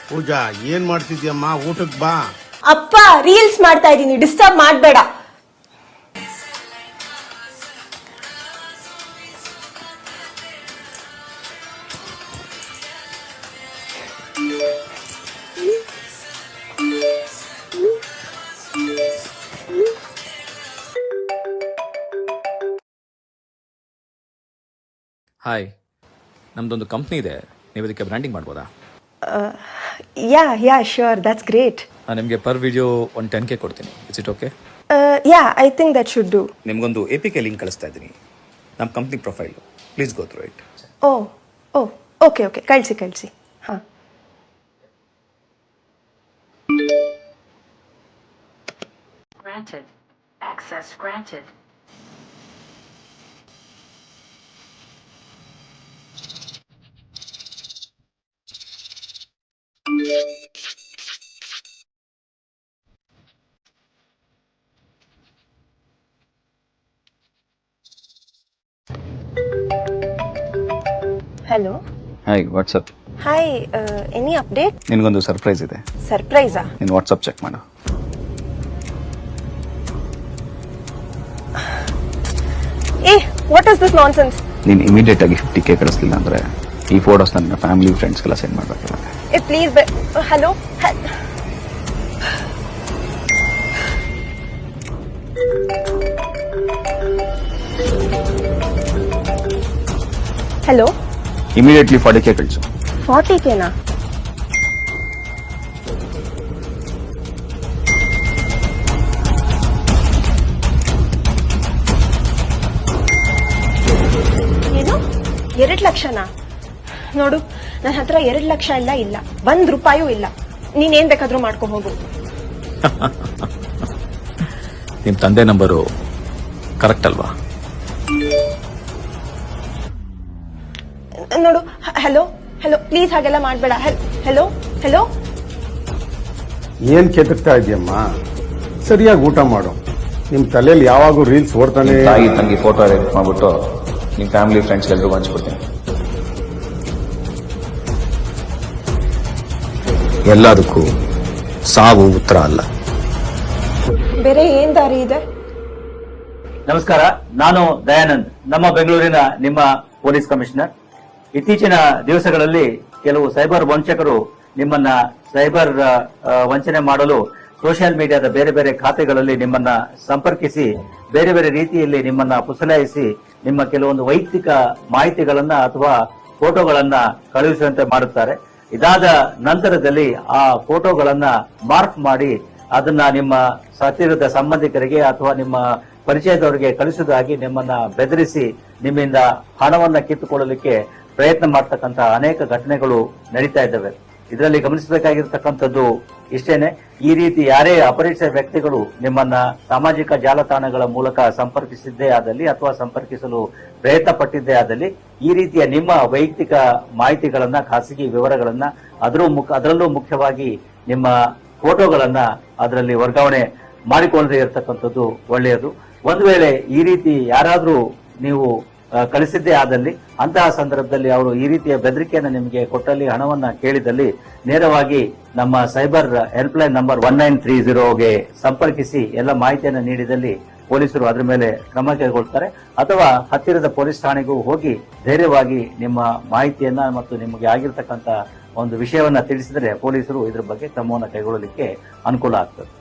ಪೂಜಾ ಏನ್ ಮಾಡ್ತಿದ್ಯಮ್ಮ? ಊಟಕ್ಕೆ ಬಾ. ಅಪ್ಪ ರೀಲ್ಸ್ ಮಾಡ್ತಾ ಇದೀನಿ, ಡಿಸ್ಟರ್ಬ್ ಮಾಡಬೇಡ. ಹಾಯ್, ನಮ್ದೊಂದು ಕಂಪ್ನಿ ಇದೆ, ನೀವು ಇದಕ್ಕೆ ಬ್ರ್ಯಾಂಡಿಂಗ್ ಮಾಡ್ಬೋದಾ? Yeah sure, that's great. ನಿಮಗೆ ಪರ್ ವಿಡಿಯೋ ಒಂದು 10K ಕೊಡ್ತೀನಿ. It's it okay? Yeah, I think that should do. ನಿಮಗೊಂದು APK ಲಿಂಕ್ ಕಳಿಸ್ತಾ ಇದ್ದೀನಿ, ನಮ್ಮ company profile. Please go through it. Okay ಕಳಿಸಿ. ಹಾಂ. Granted. Access granted. Hello. Hi, WhatsApp. Hi, any update? ನಿನಗೊಂದು ಸರ್ಪ್ರೈಸ್ ಇದೆ. ಸರ್ಪ್ರೈಸಾ? ನೀನು ವಾಟ್ಸಪ್ ಚೆಕ್ ಮಾಡು. What is this nonsense? ನೀನು ಇಮಿಡಿಯೇಟ್ ಆಗಿ 50K ಕಳಿಸ್ಲಿಲ್ಲ ಅಂದ್ರೆ ಈ ಫೋಟೋಸ್ ನನ್ನ ಫ್ಯಾಮಿಲಿ ಫ್ರೆಂಡ್ಸ್ಗೆಲ್ಲ ಸೆಂಡ್ ಮಾಡಬೇಕಲ್ಲ. Please. Hello. Hello. Immediately 40K ಕಳಿಸು. 40Kನಾ? ಏನು 2 ಲಕ್ಷನಾ? ನೋಡು, ನನ್ನ ಹತ್ರ 2 ಲಕ್ಷ ಇಲ್ಲ, 1 ರೂಪಾಯೂ ಇಲ್ಲ. ನೀನೇನ್ ಬೇಕಾದ್ರೂ ಮಾಡ್ಕೊ ಹೋಗು. ನಿಮ್ಮ ತಂದೆ ನಂಬರು ಕರೆಕ್ಟ್ ಅಲ್ವಾ? ನೋಡು, ಹಲೋ ಪ್ಲೀಸ್ ಹಾಗೆಲ್ಲ ಮಾಡ್ಬೇಡ. ಹಲೋ. ಏನ್ ಕೆದಕ್ತಾ ಇದೆಯಮ್ಮ? ಸರಿಯಾಗಿ ಊಟ ಮಾಡು. ನಿಮ್ ತಲೆಯಲ್ಲಿ ಯಾವಾಗೂ ರೀಲ್ಸ್ ಓಡ್ತಾನೆ. ತಾಯಿ ತಂಗಿ ಫೋಟೋ ಎಡಿಟ್ ಮಾಡ್ಬಿಟ್ಟು ನಿಮ್ಮ ಫ್ಯಾಮಿಲಿ ಫ್ರೆಂಡ್ಸ್ ಎಲ್ರಿಗೂ ಹಂಚ್ಬಿಡ್ತೀನಿ. ಎಲ್ಲದಕ್ಕೂ ಸಾವು ಉತ್ತರ ಅಲ್ಲ. ಬೇರೆ ಏನ್ ದಾರಿ ಇದೆ? ನಮಸ್ಕಾರ, ನಾನು ದಯಾನಂದ್, ನಮ್ಮ ಬೆಂಗಳೂರಿನ ನಿಮ್ಮ ಪೊಲೀಸ್ ಕಮಿಷನರ್. ಇತ್ತೀಚಿನ ದಿವಸಗಳಲ್ಲಿ ಕೆಲವು ಸೈಬರ್ ವಂಚಕರು ನಿಮ್ಮನ್ನ ಸೈಬರ್ ವಂಚನೆ ಮಾಡಲು ಸೋಷಿಯಲ್ ಮೀಡಿಯಾದ ಬೇರೆ ಬೇರೆ ಖಾತೆಗಳಲ್ಲಿ ನಿಮ್ಮನ್ನ ಸಂಪರ್ಕಿಸಿ ಬೇರೆ ಬೇರೆ ರೀತಿಯಲ್ಲಿ ನಿಮ್ಮನ್ನ ಪುಸಲಾಯಿಸಿ ನಿಮ್ಮ ಕೆಲವೊಂದು ವೈಯಕ್ತಿಕ ಮಾಹಿತಿಗಳನ್ನ ಅಥವಾ ಫೋಟೋಗಳನ್ನ ಕಳುಹಿಸುವಂತೆ ಮಾಡುತ್ತಾರೆ. ಇದಾದ ನಂತರದಲ್ಲಿ ಆ ಫೋಟೋಗಳನ್ನ ಮಾರ್ಕ್ ಮಾಡಿ ಅದನ್ನ ನಿಮ್ಮ ಹತ್ತಿರದ ಸಂಬಂಧಿಕರಿಗೆ ಅಥವಾ ನಿಮ್ಮ ಪರಿಚಯದವರಿಗೆ ಕಳಿಸುವುದಾಗಿ ನಿಮ್ಮನ್ನ ಬೆದರಿಸಿ ನಿಮ್ಮಿಂದ ಹಣವನ್ನ ಕಿತ್ತುಕೊಳ್ಳಲಿಕ್ಕೆ ಪ್ರಯತ್ನ ಮಾಡ್ತಕ್ಕಂಥ ಅನೇಕ ಘಟನೆಗಳು ನಡೀತಾ ಇದ್ದಾವೆ. ಇದರಲ್ಲಿ ಗಮನಿಸಬೇಕಾಗಿರ್ತಕ್ಕಂಥದ್ದು ಇಷ್ಟೇನೆ, ಈ ರೀತಿ ಯಾರೇ ಅಪರಿಚಿತ ವ್ಯಕ್ತಿಗಳು ನಿಮ್ಮನ್ನ ಸಾಮಾಜಿಕ ಜಾಲತಾಣಗಳ ಮೂಲಕ ಸಂಪರ್ಕಿಸಿದ್ದೇ ಆದಲ್ಲಿ ಅಥವಾ ಸಂಪರ್ಕಿಸಲು ಪ್ರಯತ್ನ ಪಟ್ಟಿದ್ದೇ ಆದಲ್ಲಿ ಈ ರೀತಿಯ ನಿಮ್ಮ ವೈಯಕ್ತಿಕ ಮಾಹಿತಿಗಳನ್ನ, ಖಾಸಗಿ ವಿವರಗಳನ್ನ, ಅದರಲ್ಲೂ ಮುಖ್ಯವಾಗಿ ನಿಮ್ಮ ಫೋಟೋಗಳನ್ನ ಅದರಲ್ಲಿ ವರ್ಗಾವಣೆ ಮಾಡಿಕೊಳ್ಳದೆ ಇರತಕ್ಕಂಥದ್ದು ಒಳ್ಳೆಯದು. ಒಂದು ವೇಳೆ ಈ ರೀತಿ ಯಾರಾದ್ರೂ ನೀವು ಕಳಿಸಿದ್ದೇ ಆದಲ್ಲಿ ಅಂತಹ ಸಂದರ್ಭದಲ್ಲಿ ಅವರು ಈ ರೀತಿಯ ಬೆದರಿಕೆಯನ್ನು ನಿಮಗೆ ಕೊಟ್ಟಲ್ಲಿ, ಹಣವನ್ನ ಕೇಳಿದಲ್ಲಿ ನೇರವಾಗಿ ನಮ್ಮ ಸೈಬರ್ ಹೆಲ್ಪ್ಲೈನ್ ನಂಬರ್ 1930ಗೆ ಸಂಪರ್ಕಿಸಿ ಎಲ್ಲ ಮಾಹಿತಿಯನ್ನು ನೀಡಿದಲ್ಲಿ ಪೊಲೀಸರು ಅದರ ಮೇಲೆ ಕ್ರಮ ಕೈಗೊಳ್ತಾರೆ. ಅಥವಾ ಹತ್ತಿರದ ಪೊಲೀಸ್ ಠಾಣೆಗೂ ಹೋಗಿ ಧೈರ್ಯವಾಗಿ ನಿಮ್ಮ ಮಾಹಿತಿಯನ್ನ ಮತ್ತು ನಿಮಗೆ ಆಗಿರ್ತಕ್ಕಂಥ ಒಂದು ವಿಷಯವನ್ನ ತಿಳಿಸಿದರೆ ಪೊಲೀಸರು ಇದ್ರ ಬಗ್ಗೆ ಕ್ರಮವನ್ನು ಕೈಗೊಳ್ಳಲಿಕ್ಕೆ ಅನುಕೂಲ ಆಗ್ತದೆ.